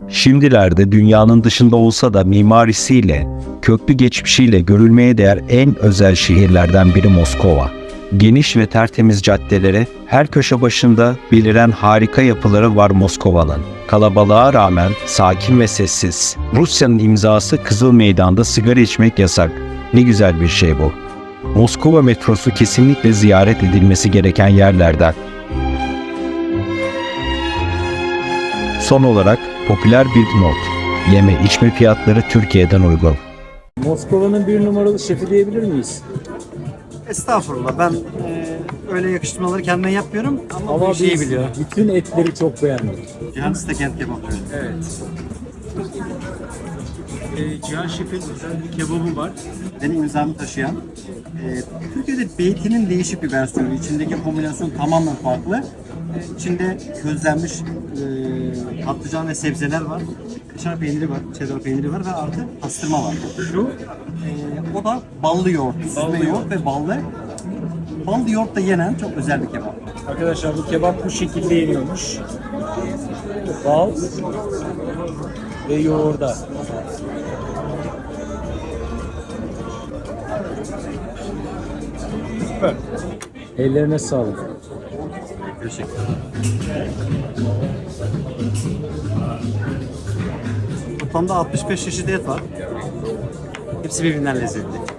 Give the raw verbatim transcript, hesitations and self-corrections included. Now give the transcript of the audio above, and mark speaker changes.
Speaker 1: Şimdilerde dünyanın dışında olsa da mimarisiyle, köklü geçmişiyle görülmeye değer en özel şehirlerden biri Moskova. Geniş ve tertemiz caddeleri, her köşe başında beliren harika yapıları var Moskova'nın. Kalabalığa rağmen sakin ve sessiz. Rusya'nın imzası Kızıl Meydan'da sigara içmek yasak. Ne güzel bir şey bu. Moskova metrosu kesinlikle ziyaret edilmesi gereken yerlerden. Son olarak popüler bir not. Yeme içme fiyatları Türkiye'den uygun.
Speaker 2: Moskova'nın bir numaralı şefi diyebilir miyiz?
Speaker 3: Estağfurullah, ben e, öyle yakıştırmaları kendime yapmıyorum ama,
Speaker 2: Ama
Speaker 3: bu şeyi
Speaker 2: biz
Speaker 3: biliyor.
Speaker 2: bütün etleri çok beğendik.
Speaker 3: Cihan Stekent kebap.
Speaker 2: Evet. Ee, Cihan Şef'in özel bir kebabı var.
Speaker 3: Benim imzamı taşıyan. E, Türkiye'de beytinin değişik bir versiyonu. İçindeki kombinasyon tamamen farklı. E, içinde közlenmiş e, patlıcan ve sebzeler var. Kaşar peyniri var, cheddar peyniri var ve artı pastırma var.
Speaker 2: Şu
Speaker 3: E, o da ballı yoğurt, süzme
Speaker 2: Ballı
Speaker 3: yoğurt.
Speaker 2: yoğurt.
Speaker 3: ve ballı. Ballı yoğurtla yenen çok özel bir kebap.
Speaker 2: arkadaşlar bu kebap bu şekilde yeniyormuş. Bal ve yoğurda. Süper. Ellerine sağlık.
Speaker 3: Teşekkürler. Toplamda altmış beş çeşit et var. Hepsi birbirinden lezzetli.